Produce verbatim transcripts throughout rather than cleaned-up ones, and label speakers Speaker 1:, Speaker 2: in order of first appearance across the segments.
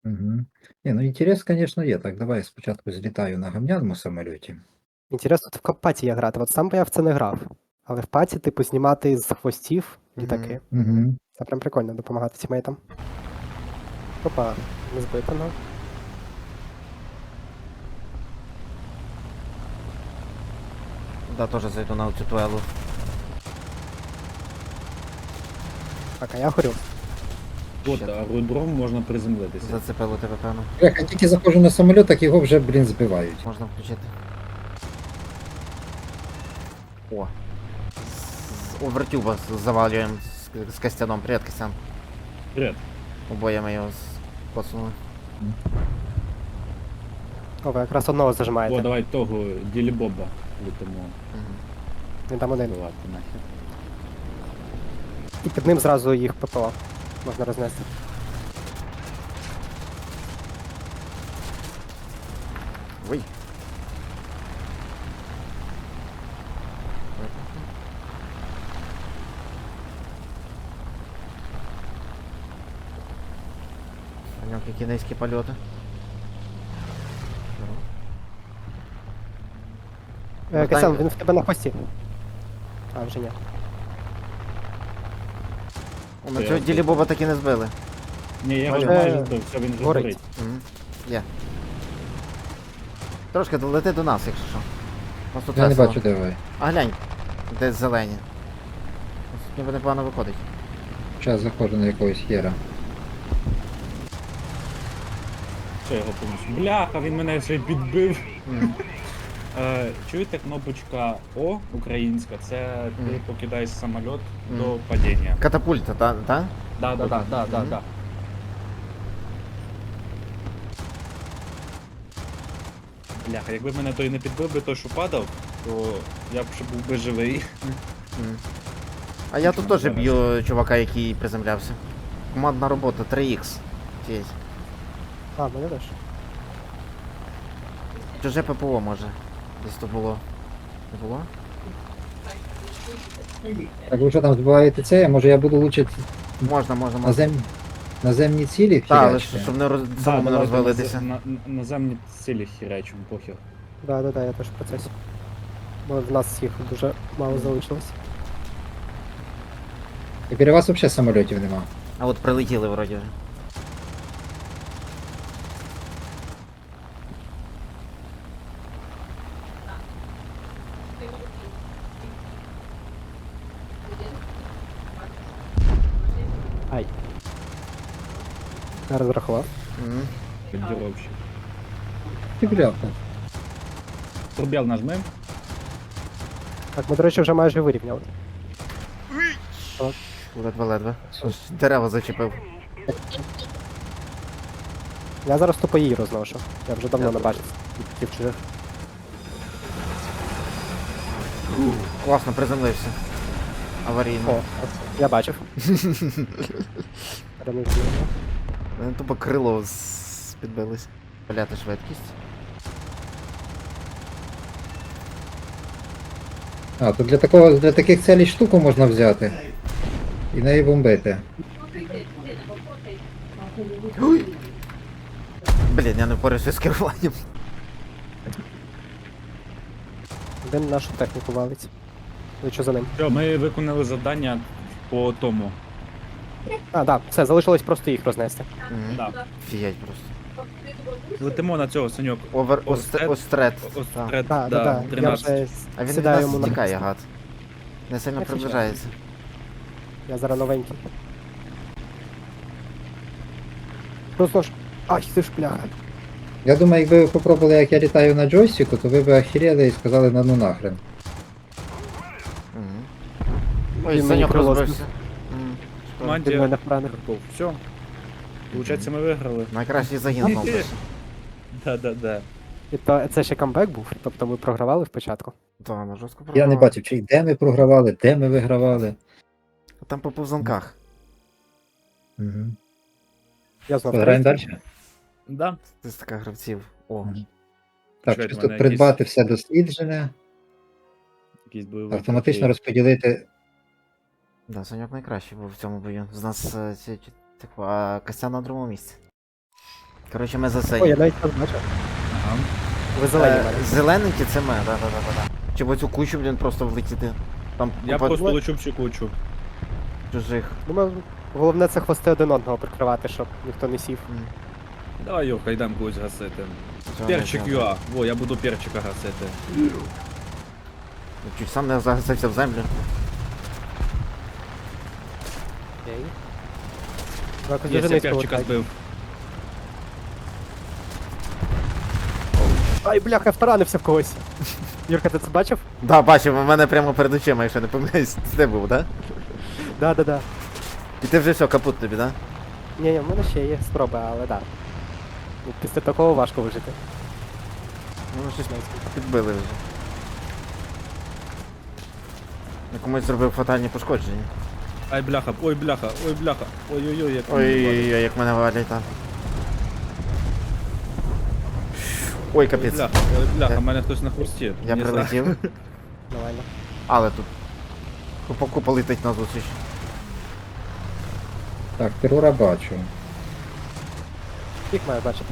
Speaker 1: Мгм. Ні, ну інтерес, звісно, є. Так, давай я спочатку злітаю на гамняному самольоті.
Speaker 2: Інтересно, тут в паті я грати. От сам би я в це не грав. Але в паті, типу, знімати з хвостів літаки.
Speaker 1: Угу.
Speaker 2: Це прям прикольно допомагати тімейтам. Опа, не збито, ну.
Speaker 3: Да, тоже зайду на цю туелу.
Speaker 2: Так, а я горю.
Speaker 4: От,
Speaker 3: Ще.
Speaker 4: аеродром можна приземлитися.
Speaker 3: Зацепило тебе, певно.
Speaker 1: Як я тільки заходжу на самоліт, так його вже, блін, збивають.
Speaker 3: Можна включити. О. З овертюба з- завалюємо з, з Костяном. Привіт, Костян.
Speaker 4: Привіт.
Speaker 3: Обоє ми його посунули.
Speaker 2: О, ви якраз одного
Speaker 4: О,
Speaker 2: зажимаєте.
Speaker 4: давай того Ділібоба летимо.
Speaker 3: Угу.
Speaker 2: Він там один.
Speaker 4: Давати нахер.
Speaker 2: І під ним зразу їх ППО можна рознести.
Speaker 3: Ой. У нього які низькі польоти.
Speaker 2: Е,
Speaker 3: Вертай-
Speaker 2: Касян, він в тебе на хвості. А, вже ні.
Speaker 3: О, на
Speaker 4: Я
Speaker 3: цього
Speaker 4: тут.
Speaker 3: ділі Боба таки не збили.
Speaker 4: Ні, я його
Speaker 2: Е,
Speaker 4: майже збив, все, він вже
Speaker 2: горить.
Speaker 4: горить.
Speaker 3: Угу. Є. Трошки долети до нас, якщо що. Ось тут
Speaker 1: Я не
Speaker 3: весело.
Speaker 1: бачу, де ви.
Speaker 3: А глянь, десь зелені. Ось ніби непогано виходить.
Speaker 1: Зараз заходжу на якогось хера.
Speaker 4: Все, його повністю. Бляха, він мене ще й підбив.
Speaker 3: Мгм.
Speaker 4: Е, чуєте, кнопочка О українська, це ти
Speaker 3: Мгм.
Speaker 4: покидаєш самоліт
Speaker 3: Мгм.
Speaker 4: до падіння.
Speaker 3: Катапульта, та? та?
Speaker 4: Да, да, да, да, да,
Speaker 3: Мгм.
Speaker 4: да. Бляха, якби мене той не підбив би той, що падав, то я б ще був би живий.
Speaker 3: Мгм. А я тут теж б'ю чувака, який приземлявся. Командна робота, три ікс. Тєсь.
Speaker 2: А, мене теж.
Speaker 3: Чуже ППО може. Десь то було. Не було?
Speaker 1: Так ви що там збиваєте це? А може я буду лучше
Speaker 3: Можна, можна, можна.
Speaker 1: назем... наземні цілі
Speaker 3: Так, але
Speaker 1: хірячити?
Speaker 3: щоб не роз...
Speaker 4: Да,
Speaker 3: самому не
Speaker 4: давайте
Speaker 3: розвалитися.
Speaker 4: На, на, наземні цілі хірячимо, похер.
Speaker 2: Да, да, да, я теж в процесі. Бо в нас їх дуже мало залишилось.
Speaker 1: І біля вас взагалі самольотів нема.
Speaker 3: А от прилетіли вроді вже.
Speaker 2: Ай. Я розрахував.
Speaker 3: Мгм.
Speaker 4: Піддіровщик.
Speaker 1: Ти бляха.
Speaker 4: Пробіл нажмем.
Speaker 2: Так, ми, до речі, вже майже вирівняли.
Speaker 3: Ледве-ледве. Аж дерева зачепив.
Speaker 2: Я зараз тупо її розношу. Я вже давно
Speaker 3: Я
Speaker 2: не
Speaker 3: теж.
Speaker 2: бачив таких чужих.
Speaker 3: Класно приземлився. Аварійно.
Speaker 2: О, я бачив. Перемістили.
Speaker 3: Мене тупо крило з- підбилось. Паляти швидкість.
Speaker 1: А, то для такого для таких целей штуку можна взяти. І неї бомбити.
Speaker 3: Блін, я не впорався з керуванням.
Speaker 2: Один нашу техніку валить. Ви що за ним?
Speaker 4: Все, ми виконали завдання по тому.
Speaker 2: А, да, все, залишилось просто їх рознести.
Speaker 3: Мгм.
Speaker 4: Да.
Speaker 3: Фіять просто.
Speaker 4: Летимо на цього, Саньок.
Speaker 3: Овер...
Speaker 4: Острет.
Speaker 3: Острет.
Speaker 4: Ось
Speaker 3: Так.
Speaker 4: трет,
Speaker 2: Да, да, да. Я
Speaker 4: тринадцять.
Speaker 2: вже
Speaker 3: А він від
Speaker 2: сідаю
Speaker 3: нас
Speaker 2: йому на
Speaker 3: тікає,
Speaker 2: хвіст.
Speaker 3: гад. Не сильно
Speaker 2: Я кричу.
Speaker 3: приближається.
Speaker 2: Я зараз новенький. Просто ж. Ай, ти ж бляха.
Speaker 1: Я думаю, якби ви попробували, як я літаю на джойстику, то ви б охерели і сказали на ну нахрен.
Speaker 3: Мгм. Ой,
Speaker 2: Він мені
Speaker 3: Саньок
Speaker 2: крило
Speaker 3: розбився. М, шкода.
Speaker 4: Команді
Speaker 2: Від мене поранив.
Speaker 4: Все. Получається, ми виграли.
Speaker 3: Найкращий загін знову.
Speaker 4: Да, да, да.
Speaker 2: І то це ще камбек був, тобто ми програвали спочатку.
Speaker 3: Та, ми жорстко
Speaker 1: Я не
Speaker 3: програвали.
Speaker 1: бачив, чи де ми програвали, де ми вигравали.
Speaker 3: Там по повзанках.
Speaker 1: Угу.
Speaker 2: Я знов
Speaker 1: Граємо
Speaker 2: третій.
Speaker 1: далі.
Speaker 4: Да.
Speaker 3: З така гравців. О.
Speaker 1: Мгм. Так,
Speaker 4: Чекайте,
Speaker 1: чисто
Speaker 4: мене
Speaker 1: придбати все досліджене,
Speaker 4: Якийсь бойовий.
Speaker 1: автоматично
Speaker 4: трофей.
Speaker 1: розподілити.
Speaker 3: Да, Саньок найкращий був в цьому бою. З нас е, ці, ці- типу, а Костян на другому місці. Коротше, ми за
Speaker 2: Ой,
Speaker 3: це.
Speaker 2: я навіть не бачив.
Speaker 4: Ага.
Speaker 2: Ви зелені
Speaker 3: Е,
Speaker 2: мене.
Speaker 3: Зелененькі це ми, да, да, да, да, да. Чи в оцю кучу, блін, просто влетіти. Там
Speaker 4: Я
Speaker 3: купа
Speaker 4: просто лечу всю кучу.
Speaker 3: чужих.
Speaker 2: Думаю, головне це хвости один одного прикривати, щоб ніхто не сів.
Speaker 3: М,
Speaker 4: Давай, Йоха, йдемо когось гасити.
Speaker 3: цього не
Speaker 4: Перчик
Speaker 3: треба.
Speaker 4: ЮА. Во, я буду перчика гасити.
Speaker 3: Чуть сам не загасився в землю.
Speaker 2: Окей. Ви якось
Speaker 4: Є,
Speaker 2: дуже
Speaker 4: я
Speaker 2: низько
Speaker 4: перчика
Speaker 2: летаєте.
Speaker 4: збив.
Speaker 2: Ай, бляха, я втаранився в когось. Юрка, ти це бачив?
Speaker 3: Да, бачив, у мене прямо перед очима, якщо не помиляюсь, це був, да?
Speaker 2: Да, да, да.
Speaker 3: І ти вже все, капут тобі, да?
Speaker 2: Ні, ні, в мене ще є спроби, але да. Ну, після такого важко вижити.
Speaker 3: Ну, щось підбили вже. Я комусь зробив фатальні пошкодження.
Speaker 4: Ай, бляха, ой, бляха, ой, бляха. Ой-ой-ой, як
Speaker 3: Ой-ой-ой, як мене валять там. Ой,
Speaker 4: Ой,
Speaker 3: капець.
Speaker 4: бляха, ой, бляха,
Speaker 3: Я-
Speaker 4: мене хтось на хвості.
Speaker 3: Я
Speaker 4: Не знаю.
Speaker 3: прилетів,
Speaker 2: Нормально.
Speaker 3: але тут. Купа купа летить на зустріч.
Speaker 1: Так, терора бачу.
Speaker 2: Їх маю бачити.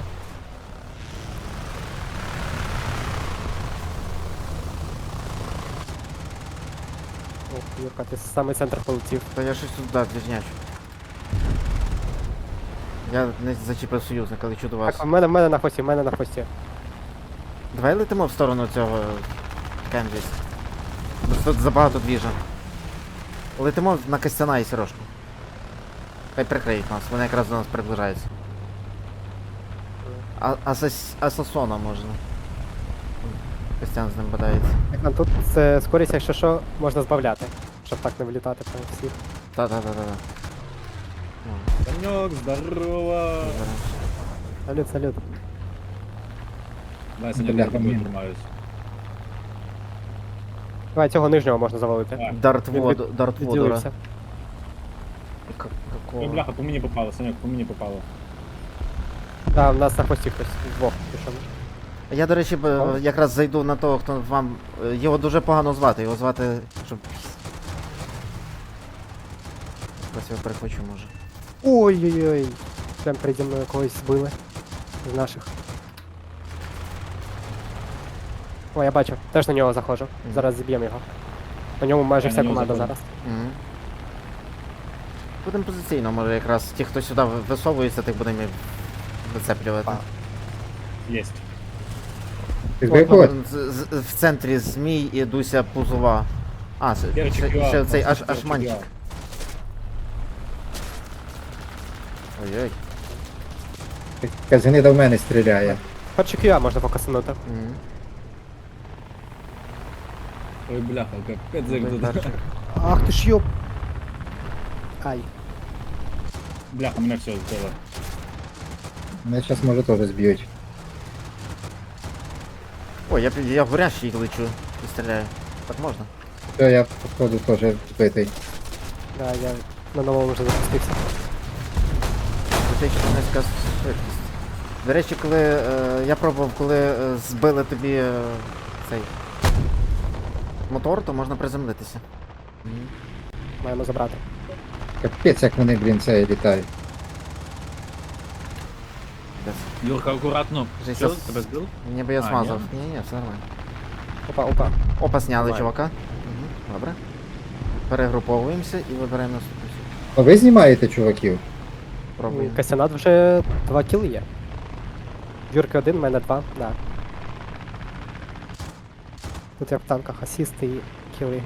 Speaker 2: О, Юрка, ти з самий центр полетів.
Speaker 3: Та я щось тут, да, двіжнячу. Я не зачепив союзника, лечу до вас.
Speaker 2: Так, в мене, в мене на хвості, в мене на хвості.
Speaker 3: Давай летимо в сторону цього Кембіс. Тут забагато двіжа. Летимо на Костяна і Сірошку. Хай прикриють нас, вони якраз до нас приближаються. А, асас, асасона можна. Костян з ним бодається.
Speaker 2: Так, нам тут це скорість, якщо що, можна збавляти, щоб так не влітати прямо всіх.
Speaker 3: Та-та-та-та.
Speaker 4: Санек, здорово.
Speaker 2: Салют, салют.
Speaker 4: Дай, Санек, я
Speaker 1: Бляха,
Speaker 4: тобою
Speaker 1: мені.
Speaker 4: тримаюсь.
Speaker 2: Давай, цього нижнього можна завалити.
Speaker 4: Так.
Speaker 3: Дарт
Speaker 2: Він
Speaker 3: воду, дарт водора.
Speaker 2: Відділився.
Speaker 3: К-
Speaker 4: Ой,
Speaker 3: Какого?
Speaker 4: бляха, по мені попало, Санек, по мені попало.
Speaker 2: Так, в нас на хвості хтось двох пішов.
Speaker 3: Я, до речі, б-
Speaker 2: О.
Speaker 3: якраз зайду на того, хто вам. е, Його дуже погано звати, його звати. Щоб. Ось його перехвачу, може.
Speaker 2: Ой-ой-ой. Прям переді мною когось збили. З наших. О, я бачу. Теж на нього заходжу.
Speaker 3: Мгм.
Speaker 2: Зараз зіб'ємо його. На ньому майже
Speaker 4: Я
Speaker 2: вся
Speaker 4: на нього
Speaker 2: команда
Speaker 4: заходжу.
Speaker 2: зараз.
Speaker 3: Угу. Будемо позиційно, може якраз ті, хто сюди ви- висовується, тих будемо і вицеплювати.
Speaker 4: Єсть.
Speaker 1: Ти
Speaker 2: О,
Speaker 1: виходь?
Speaker 3: З- з- В центрі змій і Дуся Пузова. А, це-
Speaker 4: Перчик
Speaker 3: ще,
Speaker 4: ЮА,
Speaker 3: ще цей аж,
Speaker 4: перчик
Speaker 3: аж манчик.
Speaker 4: ЮА.
Speaker 3: Ой-ой.
Speaker 1: Казани до мене стріляє.
Speaker 2: Перший кюа можна покасанути.
Speaker 3: Мгм.
Speaker 4: Ой, бляха, капець як
Speaker 3: Той
Speaker 4: тут.
Speaker 3: перший.
Speaker 2: Ах ти ж йоп. Ай.
Speaker 4: Бляха, мене все збило.
Speaker 1: Мене зараз може теж зб'ють.
Speaker 3: Ой, я, пі- я в горящий лечу і стріляю. Так можна?
Speaker 1: Все, я походу теж збитий.
Speaker 2: Да, я на новому вже запустився.
Speaker 3: Критично низька швидкість. До речі, коли е, я пробував, коли е, збили тобі е, цей мотор, то можна приземлитися.
Speaker 2: Маємо забрати.
Speaker 1: Капець, як вони, блін, це літають.
Speaker 3: Десь.
Speaker 4: Юрка, акуратно.
Speaker 3: Вже
Speaker 4: Що,
Speaker 3: щас-
Speaker 4: тебе збив?
Speaker 3: Ніби я
Speaker 4: А,
Speaker 3: змазав.
Speaker 4: ні?
Speaker 3: Ні, ні, все нормально.
Speaker 2: Опа, опа.
Speaker 3: Опа, сняли
Speaker 4: Давай.
Speaker 3: чувака. Угу, добре. Перегруповуємося і вибираємо наступну.
Speaker 1: А ви знімаєте чуваків?
Speaker 3: Пробуємо.
Speaker 2: Касянат вже два кіли є. Юрки один, в мене два, да. Тут як в танках асісти і кіли.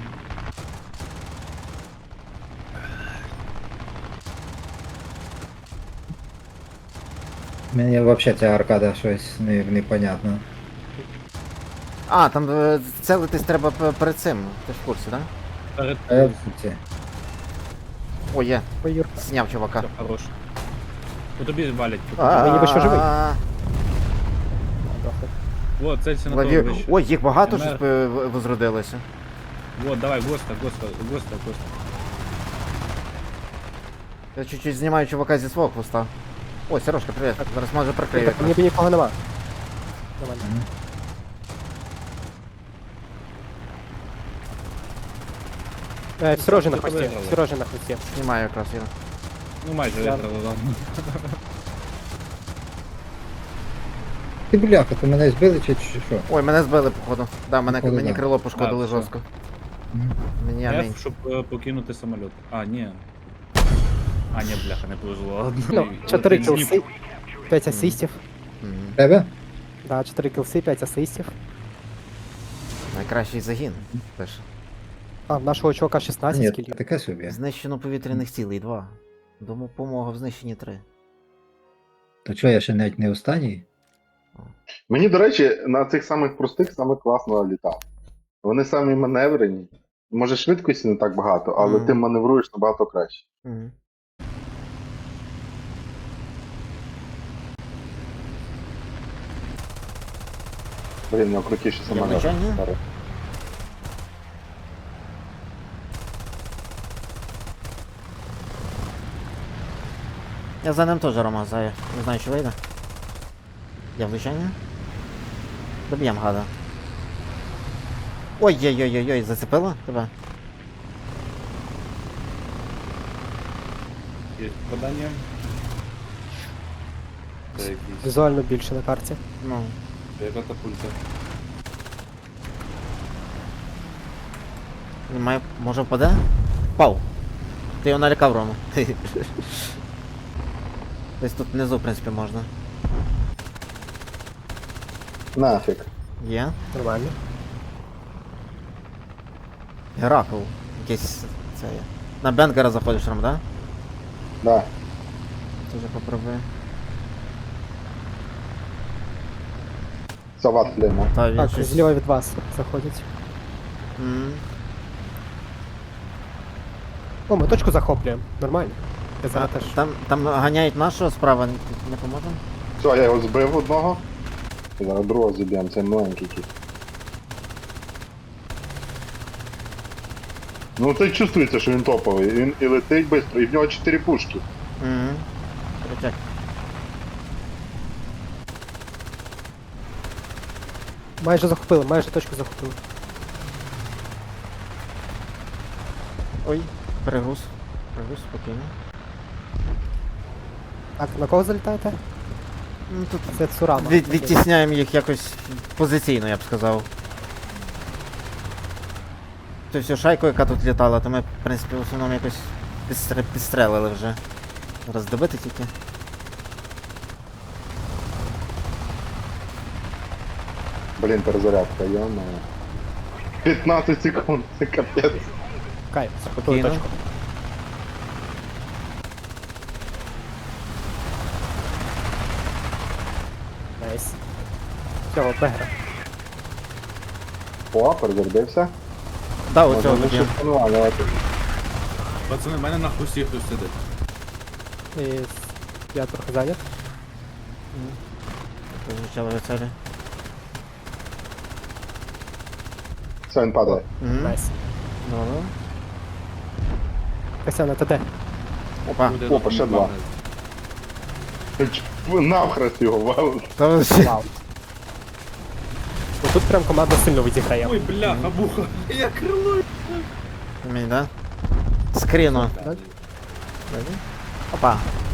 Speaker 1: Мені взагалі ця аркада щось не, непонятно.
Speaker 3: А, там е, целитись треба п- перед цим. Ти ж в курсі, так?
Speaker 4: Перед...
Speaker 1: А я в курсі.
Speaker 3: О, є.
Speaker 2: Ой, Юрка.
Speaker 3: Зняв чувака.
Speaker 4: Все, хорош. По тобі валять. по
Speaker 3: А,
Speaker 4: тобі.
Speaker 2: ніби що живий.
Speaker 3: а,
Speaker 2: Дохли.
Speaker 4: Вот, целься на того
Speaker 3: лові-
Speaker 4: вище.
Speaker 3: Ой, їх багато
Speaker 4: Мер.
Speaker 3: щось е, в- возродилося.
Speaker 4: Вот, давай, госта, госта, госта, госта.
Speaker 3: Я чуть-чуть знімаю чувака зі свого хвоста. Ой, Сережка, привіт. Зараз може прикрию.
Speaker 2: Так, ніби нікого нема. Нормально. Е, Сережі на
Speaker 4: Хто
Speaker 2: хвості,
Speaker 4: виграв?
Speaker 2: Сережі на хвості.
Speaker 3: Знімаю якраз його.
Speaker 4: Ну майже
Speaker 2: Я-
Speaker 4: виграли, ладно.
Speaker 1: Ти бляха, то мене збили чи чи що?
Speaker 3: Ой, мене збили, походу. Да, мене,
Speaker 1: Походу,
Speaker 3: мені
Speaker 1: да.
Speaker 3: крило пошкодили
Speaker 4: Да, все.
Speaker 3: жорстко.
Speaker 1: Мгм.
Speaker 3: Мені амінь.
Speaker 4: F, щоб е, покинути самоліт. А, ні. А, ні, бляха, не повезло. Ладно.
Speaker 2: Ну, чотири
Speaker 4: Один
Speaker 2: кілси,
Speaker 4: зніп.
Speaker 2: п'ять асистів.
Speaker 3: Мгм.
Speaker 1: Тебе?
Speaker 2: Да, чотири кілси, п'ять асистів.
Speaker 3: Найкращий загін. Теж.
Speaker 2: А, в нашого чувака
Speaker 1: А,
Speaker 2: шістнадцять
Speaker 1: ні,
Speaker 2: кілів.
Speaker 1: таке собі.
Speaker 3: Знищено повітряних цілей два. Допомога в знищенні три.
Speaker 1: То чого я ще навіть не останній?
Speaker 5: Мені, до речі, на цих самих простих саме класно літати. Вони самі маневрені. Може, швидкості не так багато, але
Speaker 3: Мгм.
Speaker 5: ти маневруєш набагато краще.
Speaker 3: Мгм.
Speaker 5: Блін, у нього крутіше самоліт.
Speaker 3: влучання?
Speaker 5: Зараз.
Speaker 3: Я за ним теж Рома заю. Не знаю, чи вийде. Я влучання. Доб'єм гада. Ой-ой-ой-ой, зацепило тебе?
Speaker 4: Є попадання. Це якийсь.
Speaker 2: Візуально більше на карті.
Speaker 3: Ну.
Speaker 4: Це катапульта.
Speaker 3: Немає. Може впаде? Впав. Ти його налякав, Рома. Десь тут внизу, в принципі, можна.
Speaker 5: Нафіг.
Speaker 3: Є.
Speaker 2: Нормально.
Speaker 3: Геракл. Якийсь. Це є. На Бенгера заходиш, Ром, да?
Speaker 5: Да.
Speaker 3: Тоже попробую.
Speaker 5: Сават флеймо.
Speaker 3: Та він
Speaker 2: Так,
Speaker 3: щось...
Speaker 2: зліва від вас заходять.
Speaker 3: М.
Speaker 2: О, ми точку захоплюємо. Нормально. Я
Speaker 3: А,
Speaker 2: зараз теж.
Speaker 3: там, там ганяють нашого справа, не, не поможемо?
Speaker 5: Все, я його збив одного. Зараз другого зіб'ємо, це маленький кіт. Ну це чувствується, що він топовий. Він і летить швидко, і в нього чотири пушки.
Speaker 3: Угу. Крутяк.
Speaker 2: Майже захопили, майже точку захопили.
Speaker 3: Ой, перегруз. Перегруз, спокійно.
Speaker 2: Так, на кого залітаєте?
Speaker 3: Ну тут
Speaker 2: Це Цурама.
Speaker 3: від, відтісняємо їх якось позиційно, я б сказав. Тобто всю шайку, яка тут літала, то ми, в принципі, в основному якось підстр... підстрелили вже. Роздобити тільки.
Speaker 5: Блін, перезарядка, йома. п'ятнадцять секунд, це капець.
Speaker 2: Кайф, захопили
Speaker 3: Спокійно.
Speaker 2: точку. Найс. Всього, бегра.
Speaker 5: О, перезарядився.
Speaker 3: Да,
Speaker 5: Можна
Speaker 3: оцього
Speaker 5: не
Speaker 3: доб'ємо.
Speaker 5: шифтувати.
Speaker 4: Пацани, в мене на хвості хтось сидить.
Speaker 2: І с- я трохи зайнят.
Speaker 3: Звучало від цілі.
Speaker 5: Все, він падає.
Speaker 3: Угу.
Speaker 2: Найс.
Speaker 3: Добре.
Speaker 2: Касяна, ти де?
Speaker 3: Опа.
Speaker 4: Буде
Speaker 5: опа,
Speaker 4: на
Speaker 5: ще два.
Speaker 4: магазин.
Speaker 5: Ч- Навхрест його валив.
Speaker 3: Та ви всі-
Speaker 2: Вау. Ну, тут прям команда сильно відіграє.
Speaker 4: Ой, бляха, буха. Я крило.
Speaker 3: Мені, да? Скріну.
Speaker 2: Так.
Speaker 3: Опа.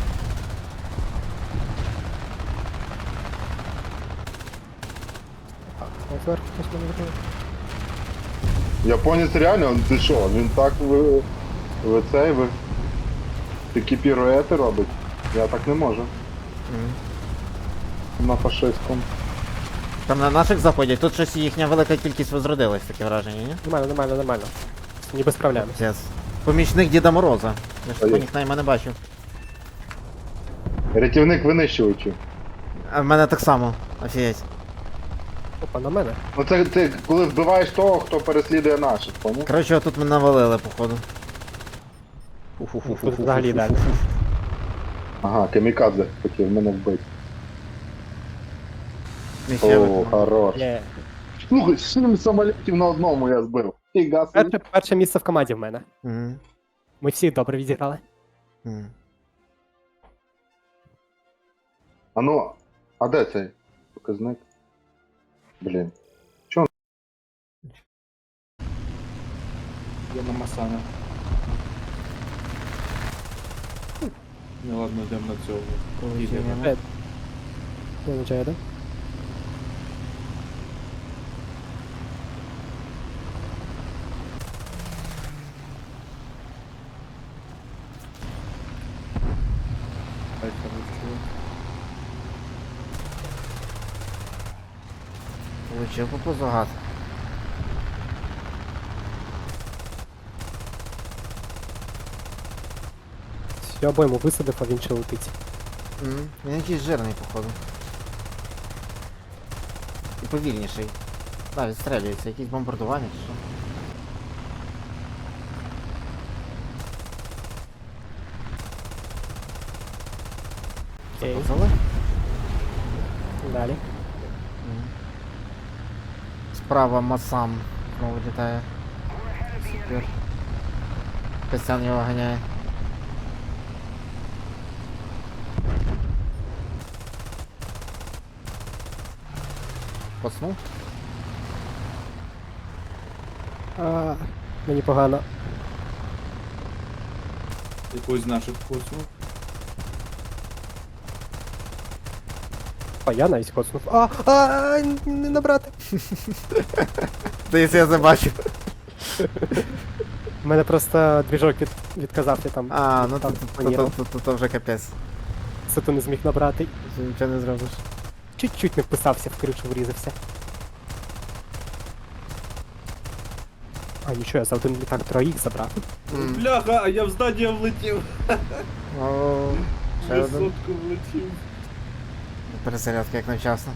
Speaker 2: Так, зверху хтось мене виконує.
Speaker 5: Японець реально, ти що, він так ви, ви цей, ви такі піруети робить. Я так не можу.
Speaker 3: Мгм.
Speaker 5: На фашистському.
Speaker 3: Там на наших заходять, тут щось їхня велика кількість возродилась, таке враження, ні?
Speaker 2: Нормально, нормально, нормально. Ніби справляємось.
Speaker 3: Yes. Помічник Діда Мороза. Я ж
Speaker 5: Ой.
Speaker 3: такого нікнейма не бачив.
Speaker 5: Рятівник винищувачів.
Speaker 3: А в мене так само. Офігеть.
Speaker 2: Опа, на мене.
Speaker 5: Ну це ти коли вбиваєш того, хто переслідує наших, поняв?
Speaker 3: Коротше, отут ми навалили, походу.
Speaker 2: Тут взагалі далі.
Speaker 5: Ага, камікадзе хотів мене вбити.
Speaker 3: Ніхуя
Speaker 5: О,
Speaker 3: ви-
Speaker 5: хорош.
Speaker 2: Є.
Speaker 5: Слухай, сім самолітів на одному я збив. Фіга собі.
Speaker 2: Перше, перше місце в команді в мене.
Speaker 3: Мгм.
Speaker 2: Ми всі добре відіграли.
Speaker 3: Мгм.
Speaker 5: А ну, а де цей показник? Блін.
Speaker 4: Я на Масана. Ну ладно, йдемо на цього.
Speaker 3: Полетіли.
Speaker 4: Ігоря.
Speaker 2: Е, Не виходить, да?
Speaker 3: Получив по пузу гад.
Speaker 2: Я обойму висадив, а він ще летить.
Speaker 3: Мгм. Він якийсь жирний, походу. І повільніший. Так, відстрелюється, якісь бомбардування чи що.
Speaker 2: Окей,
Speaker 3: Запоцали?
Speaker 2: далі.
Speaker 3: Мгм. Справа Масам знову літає. Супер. Костян його ганяє. Поснув?
Speaker 2: А, мені погано.
Speaker 4: Якусь з наших коцнув.
Speaker 2: А я навіть коцнув. А, а, не набрати.
Speaker 3: Десь я забачив.
Speaker 2: У мене просто двіжок від, відказав, я там
Speaker 3: А, ну
Speaker 2: там
Speaker 3: то, то, то,
Speaker 2: планував.
Speaker 3: то, то, то вже капець.
Speaker 2: Сату не зміг набрати.
Speaker 3: Ти нічого не зробиш.
Speaker 2: Чуть-чуть не вписався, в кришу врізався. А, нічого, я за один літак троїх забрав.
Speaker 3: М.
Speaker 4: Бляха, а я в здання влетів.
Speaker 3: О, ще
Speaker 4: Я
Speaker 3: один.
Speaker 4: сотку влетів.
Speaker 3: Перезарядка як навчасно.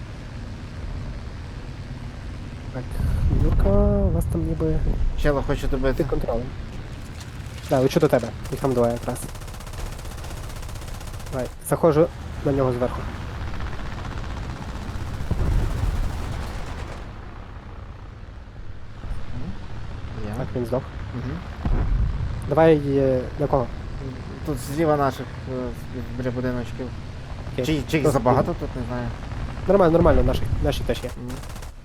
Speaker 2: Так, Юрка, у вас там ніби
Speaker 3: Чело хочу добити.
Speaker 2: під контролем. Да, лечу до тебе, їх там двоє якраз. Давай, заходжу на нього зверху.
Speaker 3: Я.
Speaker 2: Так, він здох.
Speaker 3: Угу.
Speaker 2: Давай е, на кого?
Speaker 3: Тут зліва наших е, біля будиночків.
Speaker 2: Окей.
Speaker 3: Чи, чи їх
Speaker 2: Ну,
Speaker 3: забагато тут, не знаю.
Speaker 2: Нормально, нормально, наші, наші теж є.
Speaker 3: М.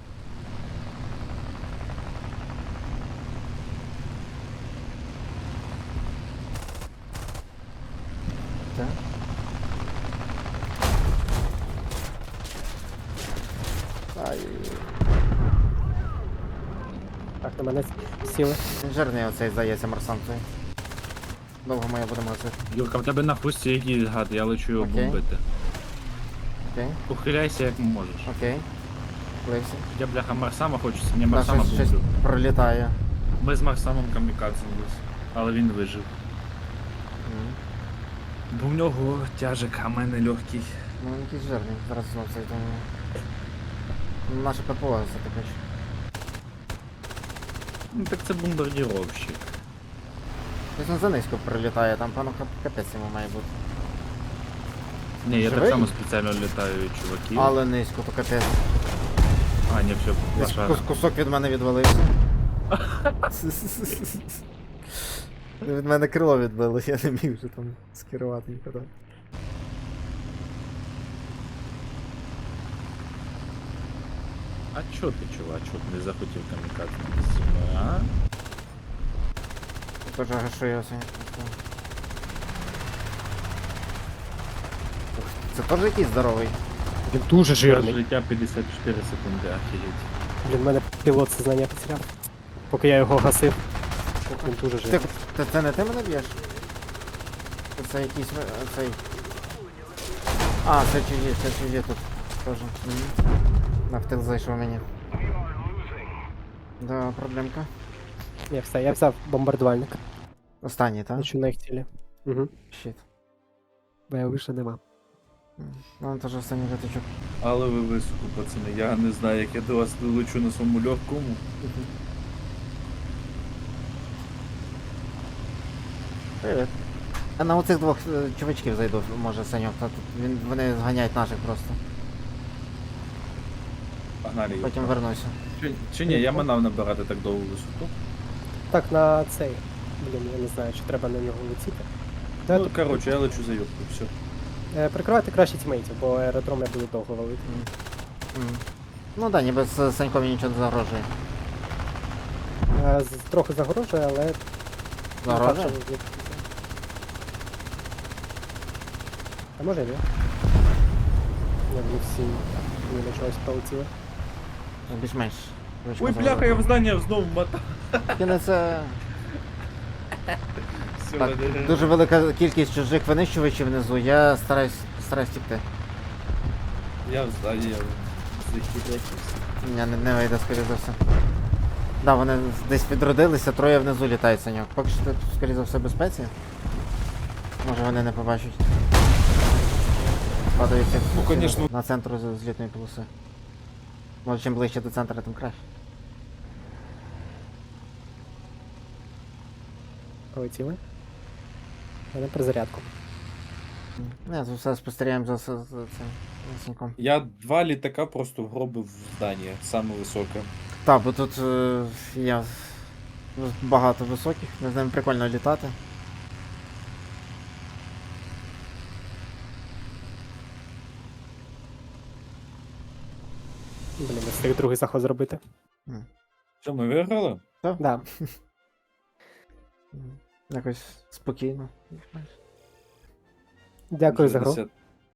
Speaker 3: Так. Ай,
Speaker 2: Так, на мене сіли.
Speaker 3: він жирний оцей, здається, марсан цей. Довго ми його будемо гасити.
Speaker 4: Юрка, в тебе на хвості якийсь гад, я лечу його
Speaker 3: Окей.
Speaker 4: бомбити.
Speaker 3: Окей,
Speaker 4: Ухиляйся як можеш.
Speaker 3: окей. Плився.
Speaker 4: Я бляха Марсама хочу, не
Speaker 3: Та
Speaker 4: Марсама
Speaker 3: щось, щось
Speaker 4: бомблю.
Speaker 3: пролітає.
Speaker 4: Ми з Марсамом камікадзе були, але він вижив.
Speaker 3: М.
Speaker 4: Бо в нього тяжик, а в мене легкий.
Speaker 3: Ну він якийсь жирний, зараз знов цей там. Наше ППО затопич.
Speaker 4: Ну так це бомбардіровщик.
Speaker 3: Ось він занизько прилітає, там пану кап- капець йому має бути.
Speaker 4: Ні, я
Speaker 3: Живий?
Speaker 4: так само спеціально літаю від чуваків.
Speaker 3: Але низько, то капець.
Speaker 4: А, ні, все,
Speaker 3: Десь
Speaker 4: лошара.
Speaker 3: кус- кусок від мене відвалився. Від мене крило відбило, я не міг вже там скерувати нікуди.
Speaker 4: А чо ти, чувачок, не захотів камікадзе зі мною, а?
Speaker 3: Теж гашую сьогодні. Це теж якийсь здоровий.
Speaker 2: Він дуже
Speaker 4: Жирний.
Speaker 2: жирний.
Speaker 4: Життя п'ятдесят чотири секунди, охереть.
Speaker 2: Блін, мене пілот сознання потеряв. Поки я його гасив. Він дуже
Speaker 3: Ти,
Speaker 2: жирний.
Speaker 3: ти, це не ти мене б'єш? Це якийсь ви- цей. А, це чужі, це чужі тут. Тоже. Мгм. На втил зайшов мені. Да, проблемка.
Speaker 2: Ні, все, я взяв бомбардувальник.
Speaker 3: Останній, так?
Speaker 2: Лечу на їх цілі. Угу.
Speaker 3: Щит.
Speaker 2: Бо я вище нема.
Speaker 3: Ну, теж останній витичок.
Speaker 4: Але ви високо, пацани, я не знаю, як я до вас долечу на своєму легкому.
Speaker 3: Привіт. А на оцих двох е, чувачків зайду, може, Саньок, та тут він, вони зганяють наших просто.
Speaker 4: Погнали його.
Speaker 3: Потім вернуся.
Speaker 4: Чи, чи ні, я манав набирати так довгу висоту.
Speaker 2: Так, на цей. Блін, я не знаю, чи треба на нього летіти. Де
Speaker 4: Ну,
Speaker 2: тут?
Speaker 4: коротше, я лечу за юбку, все.
Speaker 2: Е, Прикривати краще тімейтів, бо аеродром я буду довго валити.
Speaker 3: М. Ну да, ніби з Саньком мені нічого не загрожує.
Speaker 2: Е, з- Трохи загрожує, але...
Speaker 3: Загрожує?
Speaker 2: Так, що ви- А може ні? Ні, вони всі ні на чогось полетіли.
Speaker 3: Ну, більш-менш.
Speaker 4: Ой, бляха, я в здання знову мотав.
Speaker 3: Кіне це
Speaker 4: Все,
Speaker 3: так,
Speaker 4: мене-
Speaker 3: дуже велика кількість чужих винищувачів внизу, я стараюсь, стараюсь тікти.
Speaker 4: Я в зданні, я зайти, блядь.
Speaker 3: Ні, не, не вийде, скоріше за все. Да, вони десь відродилися, троє внизу літають саньок. Поки що ти, скоріше за все, в безпеці. Може вони не побачать. Падаються
Speaker 4: Ну,
Speaker 3: всі
Speaker 4: конечно.
Speaker 3: на, на центру з- злітної полоси. Може чим ближче до центру, тим краще.
Speaker 2: Полетіли. Мене перезарядку.
Speaker 3: Не, за все спостерігаємо за, за, за цим за саньком.
Speaker 4: Я два літака просто вгробив в здання, саме високе.
Speaker 3: Так, бо тут е, є багато високих, з ними прикольно літати.
Speaker 2: Блін, не встиг другий заход зробити.
Speaker 4: Що, ми виграли?
Speaker 2: Да.
Speaker 3: М, Якось спокійно.
Speaker 2: Дякую за гру.
Speaker 4: шістдесят